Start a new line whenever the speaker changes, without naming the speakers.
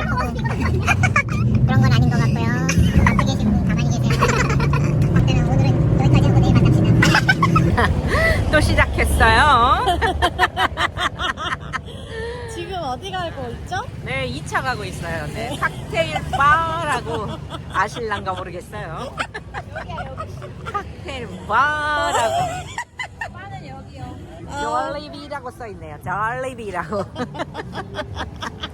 그런 건 아닌 것 같고요. 앞에 계신 분 가만히 계세요. 박대는 오늘은 여기까지 하고 내일 만납시다.
또 시작했어요.
지금 어디 가고 있죠?
네, 2차 가고 있어요. 네, 칵테일 바라고 아실란가 모르겠어요. 칵테일 바라고.
바는 여기요.
졸리비라고 써있네요. 졸리비라고.